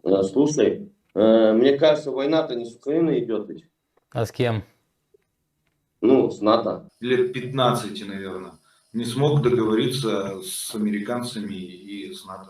Слушай, мне кажется, война-то не с Украиной идет ведь. А с кем? Ну, с НАТО. Лет 15, наверное, не смог договориться с американцами и с НАТО.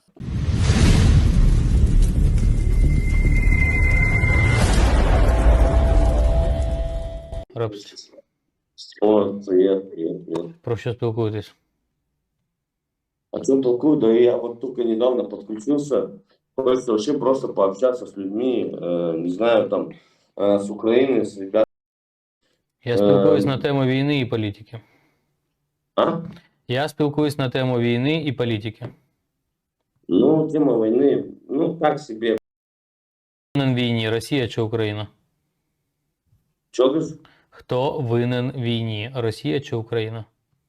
Рапс. О, привет. Про що спілкуєтесь? О чем толкую? Да я вот только недавно подключился. Хочется вообще просто пообщаться с людьми, не знаю, там, с Украины, с ребятами. Я спілкуюсь на тему війни і політики. А? Я спілкуюсь на тему війни і політики. Ну, тема войны, ну, так себе. Винен в війні, Росія чи Україна? Че говоришь? Хто винен в війні, Росія чи Україна?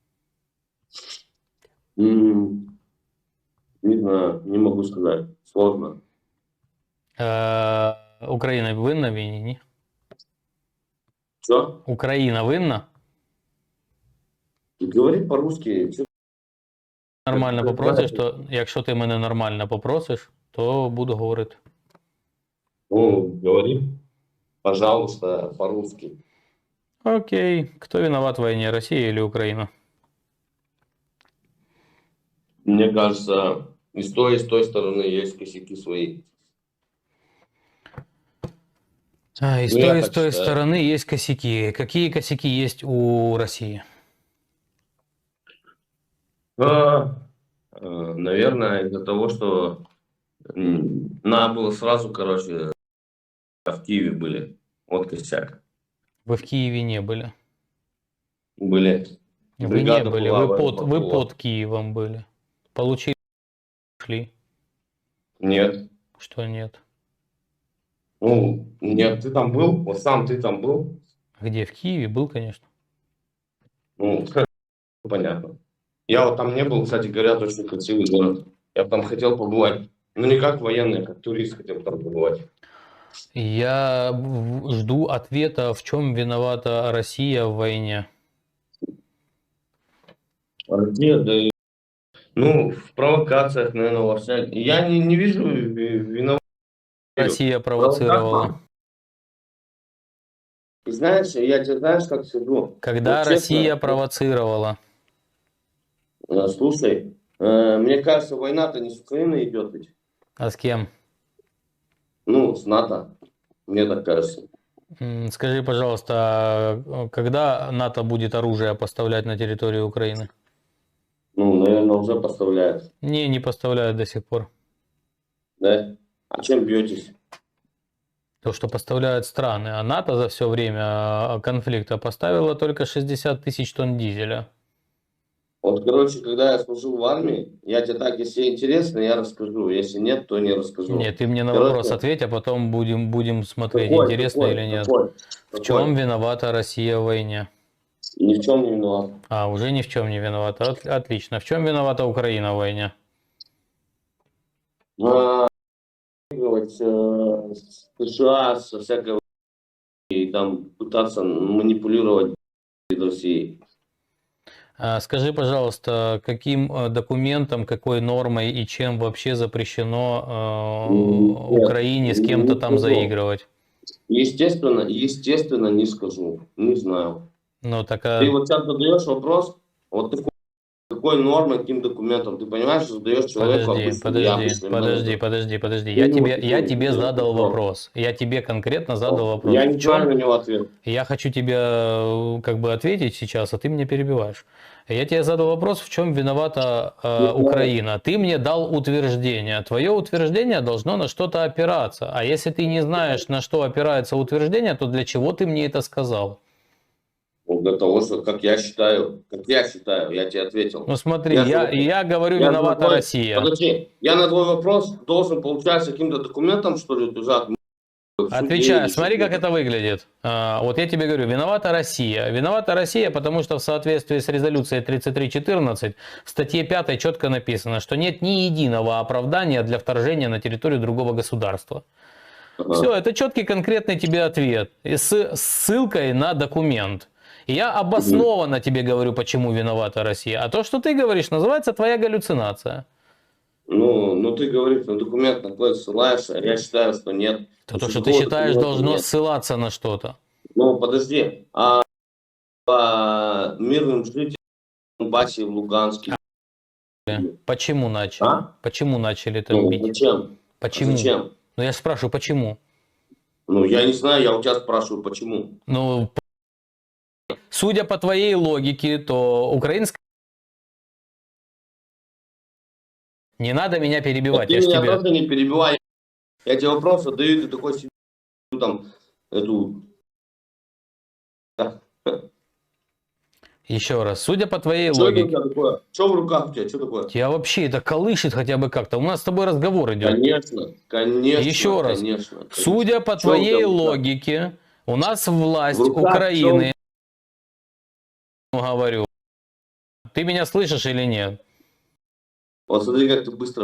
Не знаю, не могу сказать. Сложно. Україна винна в війні, ні? Что? Україна винна? Говори по-русски. Нормально попросиш, то якщо ти мене нормально попросиш, то буду говорити. Ну, говори, пожалуйста, по-русски. Окей. Кто виноват в войне, Россия или Украина? Мне кажется, и с той стороны есть косяки свои. И с Ну, я той, и так с той считаю. стороны есть косяки. Какие косяки есть у России? Наверное, из-за того, что надо было сразу, короче, в Киеве были. Вот косяк. Вы в Киеве не были. Были. Вы не Бригада были. была, Вы под Киевом были. Получили, шли. Нет. Что нет? Ну, нет, ты там был? Вот сам ты там был? Где? В Киеве был, конечно. Ну, понятно. Я вот там не был, кстати, говорят, очень красивый город. Я бы там хотел побывать. Ну, не как военный, а как турист хотел там побывать. Я жду ответа, в чем виновата Россия в войне. Россия, да и... Ну, в провокациях, наверное, во всяких. Я не вижу виноват. Россия провоцировала. Знаешь, я тебе знаешь, как скажу. Когда Вот честно, Россия провоцировала? Слушай, мне кажется, война-то не с Украиной идет ведь. А с кем? Ну, с НАТО. Мне так кажется. Скажи, пожалуйста, а когда НАТО будет оружие поставлять на территорию Украины? Ну, наверное, уже поставляют. Не поставляют до сих пор. Да? А чем бьетесь? То, что поставляют страны. А НАТО за все время конфликта поставило только 60 тысяч тонн дизеля. Вот, короче, когда я служил в армии, я тебе так, если интересно, я расскажу. Если нет, то не расскажу. Нет, ты мне на Короче, вопрос ответь, а потом будем смотреть, какой, интересно какой, или нет. какой, В чем виновата Россия в войне? Ни в чем не виноват. А, уже ни в чем не виновата. Отлично. В чем виновата Украина в войне? США со всякой и там пытаться манипулировать Россией. Скажи, пожалуйста, каким документом, какой нормой и чем вообще запрещено Украине с кем-то там заигрывать? Естественно, не скажу. Не знаю. Ну, так, Ты вот сейчас задаешь вопрос, вот какой нормой, каким документом, ты понимаешь, что задаешь человеку Подожди. Я тебе задал вопрос. Я тебе конкретно задал вопрос. Я не знаю на него ответ. Я хочу тебе как бы ответить сейчас, а ты меня перебиваешь. Я тебе задал вопрос, в чем виновата Украина. Ты мне дал утверждение. Твое утверждение должно на что-то опираться. А если ты не знаешь, на что опирается утверждение, то для чего ты мне это сказал? Вот для того, что, как я считаю, я тебе ответил. Ну смотри, я говорю, виновата Россия. Подожди, я на твой вопрос должен, получается, каким-то документом, что ли, лежат? Отвечаю, смотри, как это выглядит. Вот я тебе говорю, виновата Россия. Виновата Россия, потому что в соответствии с резолюцией 3314 в статье 5 четко написано, что нет ни единого оправдания для вторжения на территорию другого государства. Все, это четкий конкретный тебе ответ с ссылкой на документ. И я обоснованно тебе говорю, почему виновата Россия. А то, что ты говоришь, называется твоя галлюцинация. Ну ты говоришь, на документ на какой ссылаешься, я считаю, что нет. То, Значит, что ты такого считаешь, документа должно нет. ссылаться на что-то. Ну, подожди, а по мирным жителям Донбассе и в Луганске? Почему начали? А? Почему начали там Ну, бить? зачем? А Почему? зачем? Ну, я спрашиваю, почему? Ну, я не знаю, я у тебя спрашиваю, почему. Ну, судя по твоей логике, то украинская... Не надо меня А перебивать, ты я ж меня тебе... тоже не перебивай. Я тебе вопрос задаю, ты такой себе там эту... Еще раз, судя по твоей Что это у логике... тебя такое? Что в руках у тебя? Что такое? Тебя вообще это колышет хотя бы как-то. У нас с тобой разговор идет. Конечно, конечно, Еще раз, конечно. судя по Что у тебя твоей в руках? логике, у нас В власть руках что? Украины, говорю, ты меня слышишь или нет? Вот смотри, как ты быстро...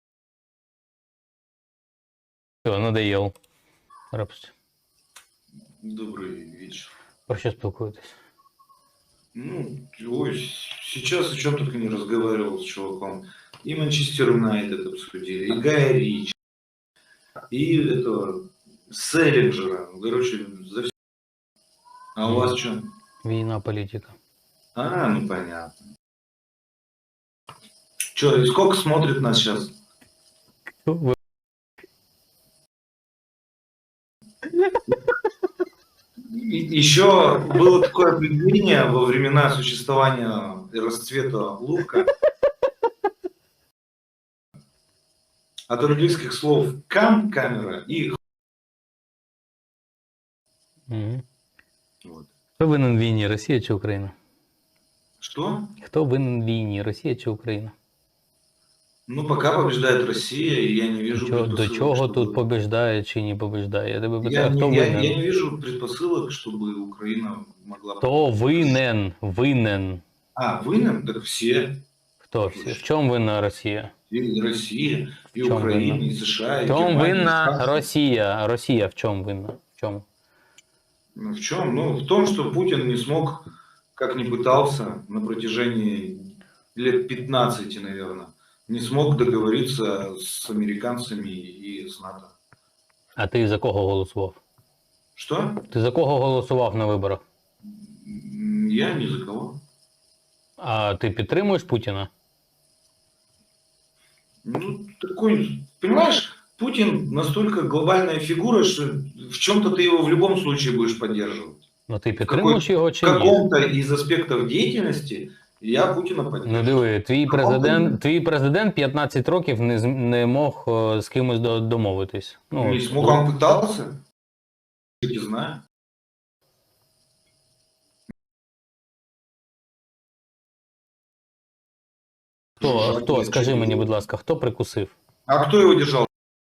Все, надоел. Рапусти. Добрый вечер. Про що спілкуєтесь? Ну, ой, сейчас о чем только не разговаривал с чуваком. И Манчестер Юнайтед обсудили, и Гая Рич, и этого Селлинджера. Ну, короче, за все. А у вас что? Війна, політика. А, ну понятно. Че, и сколько смотрит нас сейчас? Еще было такое определение во времена существования и расцвета лука от английских слов кам, камера, и Мгм. вот. Хто винен в війні, Росія чи Україна? Что? Хто винен в війні, Росія чи Україна? Ну, пока побеждает Россия, и я не вижу До предпосылок, чого чтобы... тут побіждає чи не побіждає? Я тебе Я питаю, не, хто я винен? не вижу предпосылок, чтобы Украина могла... Хто винен? Винен. А, вынен? Так все. Хто всі? В чому винна Росія? И Россия, и В чем Украина, вина? и США, и В чому Германия, и винна Франция. Росія? Росія в чому винна? В чому? Ну, в чем? Ну, в том, что Путин не смог, как ни пытался, на протяжении лет 15, наверное, не смог договориться с американцами и с НАТО. А ти за кого голосував? Что? Ти за кого голосував на виборах? Я ни за кого. А ти підтримуєш Путіна? Ну, такой, понимаешь, Путин настолько глобальная фигура, что в чем-то ты его в любом случае будешь поддерживать. Ну ти підтримуєш його В чи ні? каком-то из аспектов деятельности я Путина поддерживаю. Ну диви, Каком-то твій президент 15 років не мог з кимось домовитись. Ну, не смог, он пытался. Не знаю. хто, скажи мені, будь ласка, хто прикусив? А кто его держал?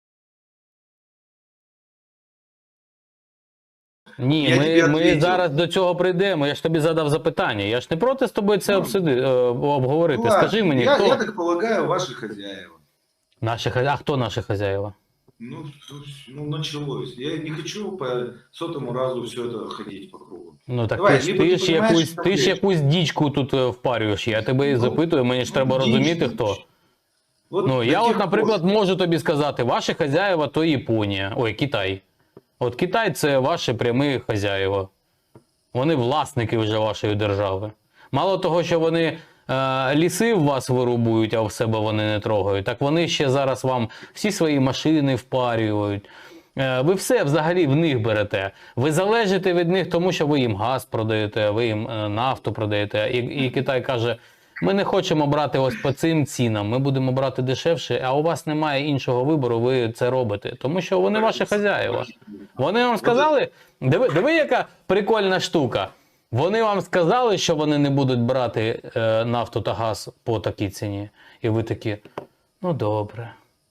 Ні, Я тобі ми відповів. зараз до цього прийдемо. Я ж тобі задав запитання. Я ж не проти з тобою це обговорити. Ну, ладно, Скажи мені, я, хто я так полагаю, ваши хозяева. а хто наші хазяїва? Ну, началось. Я не хочу по 100-му разу все это ходить по кругу. Ну так Давай, ти либо ти ж понімаєш, ти ж якусь дічку тут впарюєш. Я тебе і запитую, мені ж треба розуміти, хто. Вот Ну, до я тех от, наприклад, пор- можу тобі сказати, ваші хазяїва то Японія, ой, Китай. От Китай це ваші прямі хазяїва. Вони власники вже вашої держави. Мало того, що вони ліси в вас вирубують, а в себе вони не трогають, так вони ще зараз вам всі свої машини впарюють. Ви все взагалі в них берете. Ви залежите від них, тому що ви їм газ продаєте, ви їм нафту продаєте. І Китай каже, ми не хочемо брати ось по цим цінам, ми будемо брати дешевше, а у вас немає іншого вибору, ви це робите. Тому що вони ваші хазяїва. Вони вам сказали, диви яка прикольна штука. Вони вам сказали, що вони не будуть брати нафту та газ по такій ціні. І ви такі, ну добре.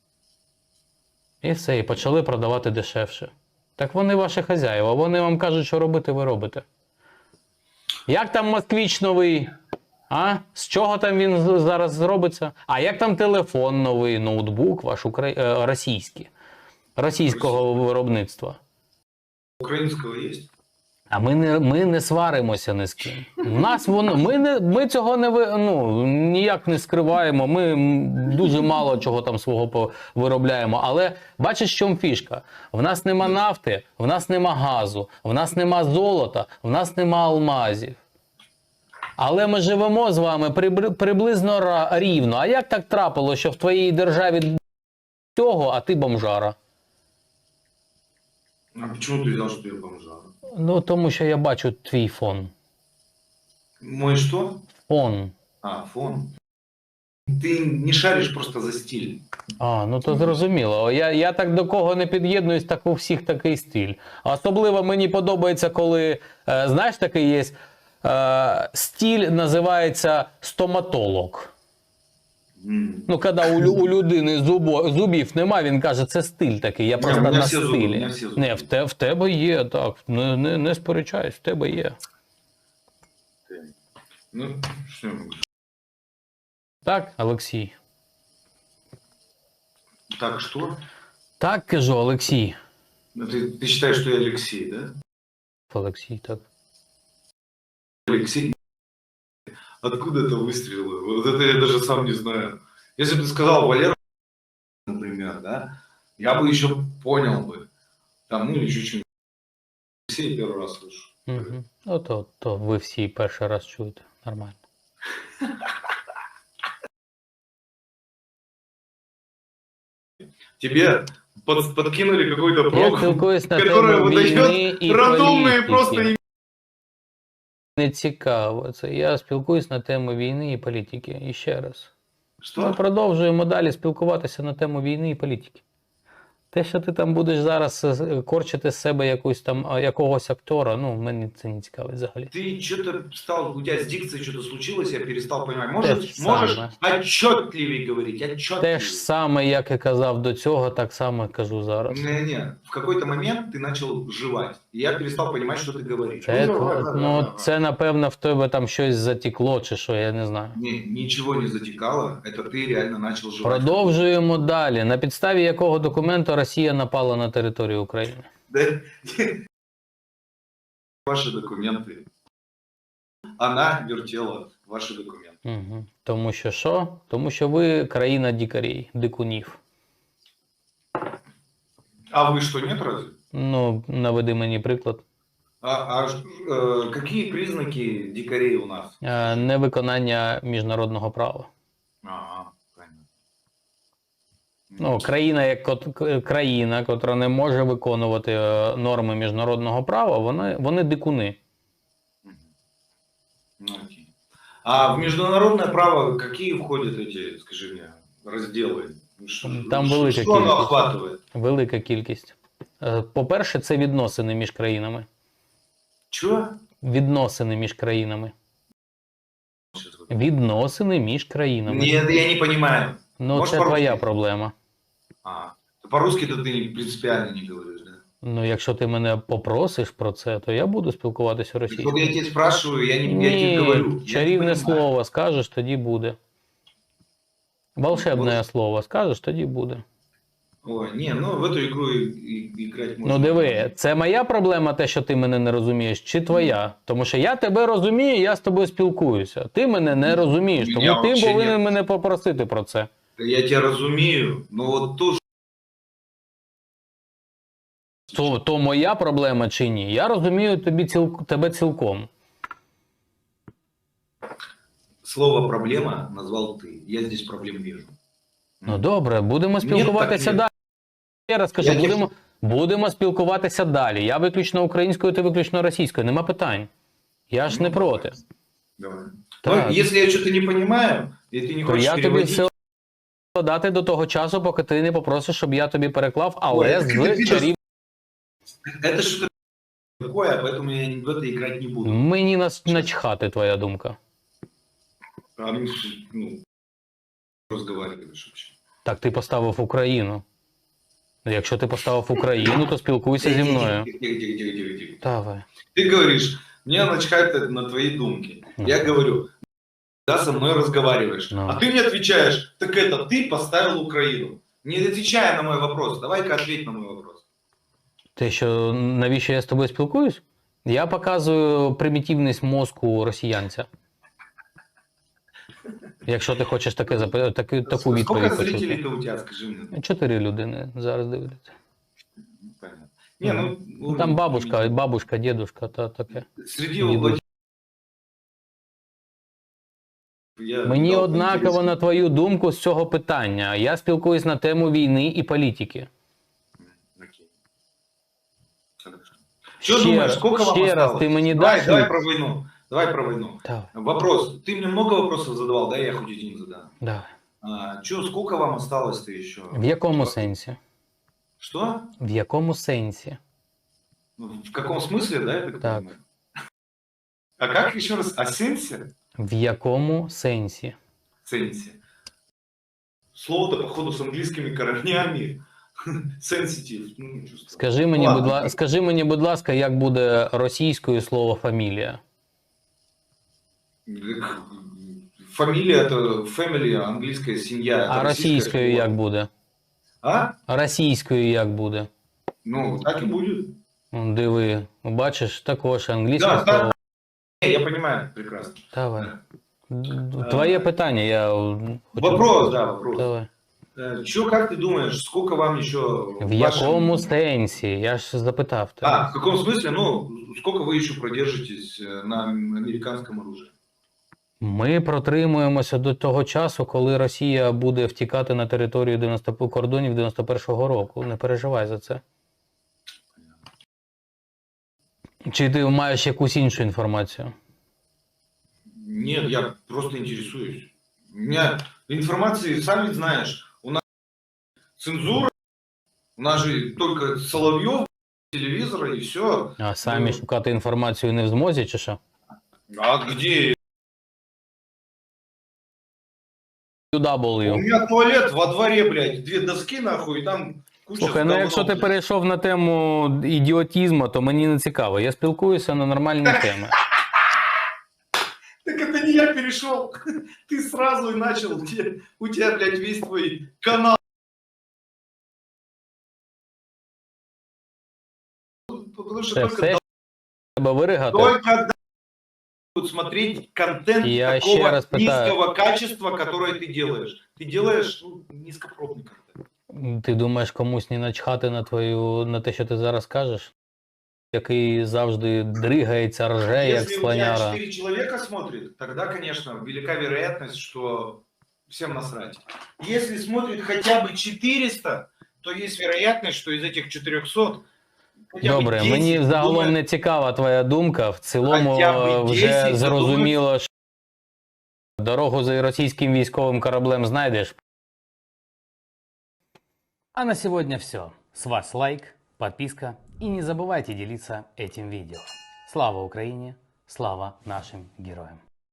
І все, і почали продавати дешевше. Так вони ваші хазяїва, вони вам кажуть, що робити, ви робите. Як там москвич новий? А? З чого там він зараз зробиться? А як там телефон новий, ноутбук ваш російський? Російського виробництва? Украинского есть? А ми не сваримося ні з ким. У нас воно, ми цього ніяк не скриваємо, ми дуже мало чого там свого виробляємо. Але бачиш, в чому фішка? В нас нема нафти, в нас нема газу, в нас нема золота, в нас нема алмазів. Але ми живемо з вами приблизно рівно. А як так трапилося, що в твоїй державі цього, а ти бомжара? А чому ти взяв, що я бомжара? Ну, тому що я бачу твій фон. Мой що? Фон. А, фон. Ти не шариш просто за стиль. А, ну то зрозуміло. Я так до кого не під'єднуюсь, так у всіх такий стиль. Особливо мені подобається, коли, знаєш, такий є, стиль називається стоматолог. Ну, коли у людини зубів нема, він каже, це стиль такий, я просто на стилі. Не, в тебе є, так, не сперечаюсь, в тебе є. Ну, що я можу? Так, Олексій? Так, что? Так, кажу, Олексій. Ну, ты считаешь, что я Алексей, да? Олексій, так. Алексей? Откуда это выстрелы? Вот это я даже сам не знаю. Если бы ты сказал Валера, например, да, я бы еще понял бы. Там, ну, или чуть-чуть. Алексей первый раз слышу. Угу. Ну, то ви всі перший раз чуєте. Нормально. Тебе подкинули какой-то Я прог, спілкуюсь на который тему війни выдает і рандомные просто політики. Не цікаво це. Я спілкуюсь на тему війни і політики. І ще раз. Ми Что? продовжуємо далі спілкуватися на тему війни і політики. Те, що ти там будеш зараз корчити з себе якогось актора, ну, мені це не цікавить взагалі. Ты что-то стал, у тебя с дикцией что-то случилось, я перестал понимать. Те Можешь ж саме. отчетливее говорить, отчетливее. Те ж саме, як і казав до цього, так само кажу зараз. Не, в какой-то момент ты начал жевать, и я перестал понимать, что ты говоришь. Це, напевно, в тебе там щось затекло, чи що, я не знаю. Не, ничего не затекало, это ты реально начал жевать. Продовжуємо далі. На підставі якого документу Росія напала на територію України? Да? Ваши документы. Она вертела ваши документы. Угу. Тому що що? Тому що ви країна дикарей, дикунів. А вы что, нет разве? Ну, наведи мені приклад. Какие признаки дикарей у нас? Невиконання міжнародного права. Ага, понятно. Ну, країна, котра не може виконувати норми міжнародного права, вони дикуни. Ну, окей. А в международное право какие входят эти, скажи мне, разделы? Там велика что оно кількість. охватывает? Велика кількість. По-перше, це відносини між країнами. Чего? Відносини між країнами. Відносини між країнами. Нет, я не понимаю. Ну, Можешь це по-русски? твоя проблема. По-русски-то ты принципиально не говоришь, да? Ну, якщо ти мене попросиш про це, то я буду спілкуватися Вот російською. я тебе спрашиваю, я тебе Ні, говорю. Я не чарівне понимаю. слово скажеш, тоді буде. Волшебне слово скажеш, тоді буде. Ой, не, ну в эту игру играть можно. Ну диви, це моя проблема, те, що ти мене не розумієш, чи твоя? Тому що я тебе розумію, я з тобою спілкуюся. Ти мене не розумієш, Мене тому ти вообще повинен ні. мене попросити про це. Я тебя разумею, но вот тоже То моя проблема чи ні? Я розумію тебе цілком. слово «проблема» назвал ты. Я здесь проблем вижу. Ну добре, будемо спілкуватися ні. далі. Я раз кажу, Я будемо спілкуватися далі. Я виключно українською, ти виключно російською. Нема питань. Я ж не проти. Давай. Так. Ну, если я что-то не понимаю, и ты не То хочешь я тобі переводить... все дати до того часу, поки ти не попросиш, щоб я тобі переклав, але Ой, з ти чарів... Это что-то такое, поэтому я в это играть не буду. Мені начхати твоя думка. А, ну, разговариваешь вообще. Так ти поставив Україну. Якщо ти поставив Україну, то спілкуйся зі мною. Тихо. Давай. Ты говоришь, мне начхать на твои думки. Я говорю, да, со мной разговариваешь. Ну. А ты мне отвечаешь, так это ты поставил Украину. Не отвечая на мой вопрос, давай-ка ответь на мой вопрос. Те, що навіщо я з тобою спілкуюсь? Я показую примітивність мозку росіянця. Якщо ти хочеш таку Сколько відповідь почути. зрителей-то у тебя, скажи мне? 4 людини зараз дивляться. Понятно. Не, ну, Ну, там бабушка, дедушка та таке. Среди Дедушка. Владимира... Я Мені дал однаково, интересно. на твою думку, з цього питання. Я спілкуюсь на тему війни і політики. Окей. Хорошо. Что думаешь, сколько вам ще раз, осталось? ти мені Давай, даш... давай про войну. Давай про войну. Давай, Вопрос. Ты мне много вопросов задавал, да? Я хоть один задам. давай. Сколько вам осталось-то еще? В якому сенсі? Что? В якому сенсі? Ну, в каком смысле, да, я так Так. понимаю? А как еще раз? О сенсе? В якому сенсі? Сенсе. Слово-то, походу, с английскими корнями. Сенситив. Ну, не чувствую. Скажи мені, будь ласка, як буде російською слово фамілія? Фамилия это family, английская семья. это А российское російською слово. як буде? А? А російською як буде? Ну, так и будет. Диви, бачиш, також англійське Да, слово. да. Я понимаю, прекрасно. Давай. Твоє питання, я... Вопрос, да, вопрос. Давай. Как ты думаешь, сколько вам еще... В якому сенсі? Я ж запитав тебе. А, в каком смысле? Ну, сколько вы еще продержитесь на американском оружии? Ми протримуємося до того часу, коли Росія буде втікати на територію кордонів 91-го року. Не переживай за це. Чи ти маєш якусь іншу інформацію? Нет, я просто интересуюсь. У меня информации, сам ведь знаешь, у нас цензура, у нас же только Соловьев, телевизора и все. А самі шукати інформацію не в змозі, чи що? А где? У UW. меня туалет во дворе, блядь, 2 доски нахуй, и там куча... Слухай, ну говна, якщо ти блядь. перейшов на тему ідіотізму, то мені не цікаво. Я спілкуюся на нормальні теми. Так это не я перешел. Ты сразу и начал. У тебя, блядь, весь твой канал. Потому что Це только, все треба виригати. только будут смотреть контент Я такого еще раз пытаюсь. низкого качества, которое ты делаешь. Ты делаешь низкопробный контент. Ти думаєш, комусь не начхати на те, що ти зараз кажеш? Який завжди дригається, рже, як Если у тебя слоняра. 4 человека смотрит, тогда, конечно, велика вероятность, что всем насрать. Если смотрит хотя бы 400, то есть вероятность, что из этих 400 хотя бы Добре, 10 мені загалом думает, не цікава твоя думка. В цілому Хоча б вже 10 зрозуміло, що дорогу за російським військовим кораблем знайдеш. А на сегодня все. С вас лайк, подписка и не забывайте делиться этим видео. Слава Украине, слава нашим героям!